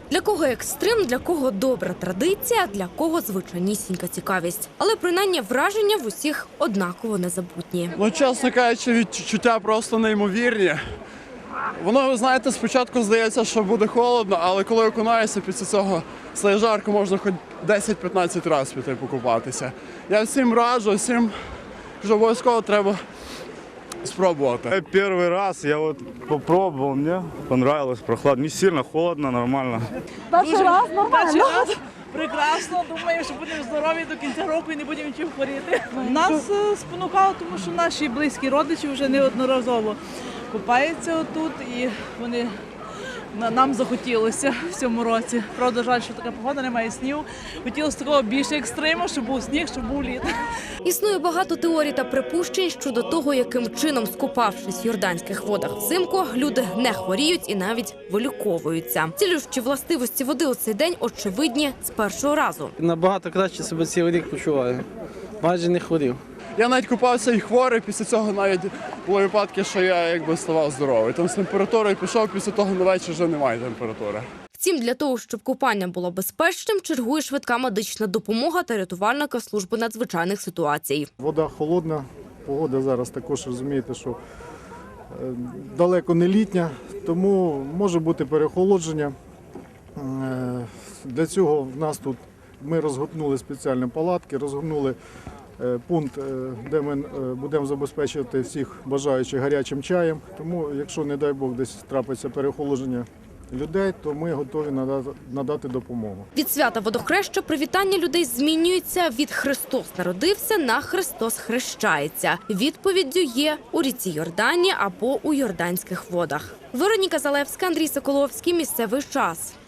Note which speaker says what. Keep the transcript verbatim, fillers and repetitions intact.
Speaker 1: Для кого екстрим, для кого добра традиція, для кого звичайнісінька цікавість. Але принаймні враження в усіх однаково незабутні.
Speaker 2: Ну, чесно кажучи, відчуття просто неймовірні. Воно, ви знаєте, спочатку здається, що буде холодно, але коли окунаєшся, після цього стає жарко, можна хоч десять-п'ятнадцять разів піти покупатися. Я всім раджу, всім, що обов'язково треба спробувати.
Speaker 3: Перший раз я вот попробовал, мне понравилось, прохладно, не сильно холодно, нормально.
Speaker 4: Перший раз нормально.
Speaker 5: Перший раз прекрасно. Думаю, що будемо здорові до кінця року і не будемо нічим хворіти. Нас е, спонукало, тому що наші близькі родичі вже неодноразово купаються отут і вони на- нам захотілося в цьому році. Правда, жаль, що така погода, немає снігу. Хотілося такого більше екстриму, щоб був сніг, щоб був лід.
Speaker 1: Існує багато теорій та припущень щодо того, яким чином, скупавшись в йорданських водах взимку, люди не хворіють і навіть виліковуються. Цілющі властивості води у цей день очевидні з першого разу.
Speaker 6: Набагато краще себе цілий рік почуваю. Майже не хворів.
Speaker 2: Я навіть купався і хворий, після цього навіть були випадки, що я якби ставав здоровий. Там з температурою пішов, після того на вечір вже немає температури.
Speaker 1: Втім, для того, щоб купання було безпечним, чергує швидка медична допомога та рятувальника служби надзвичайних ситуацій.
Speaker 7: Вода холодна, погода зараз також розумієте, що е, далеко не літня, тому може бути переохолодження. Е, Для цього в нас тут ми розгорнули спеціальні палатки, розгорнули е, пункт, е, де ми е, будемо забезпечувати всіх бажаючих гарячим чаєм. Тому, якщо, не дай Бог, десь трапиться переохолодження людей, то ми готові надати, надати допомогу.
Speaker 1: Від свята водохреща привітання людей змінюється від «Христос народився» на «Христос хрещається». Відповіддю є у ріці Йордані або у йорданських водах. Вероніка Залевська, Андрій Соколовський. Місцевий час.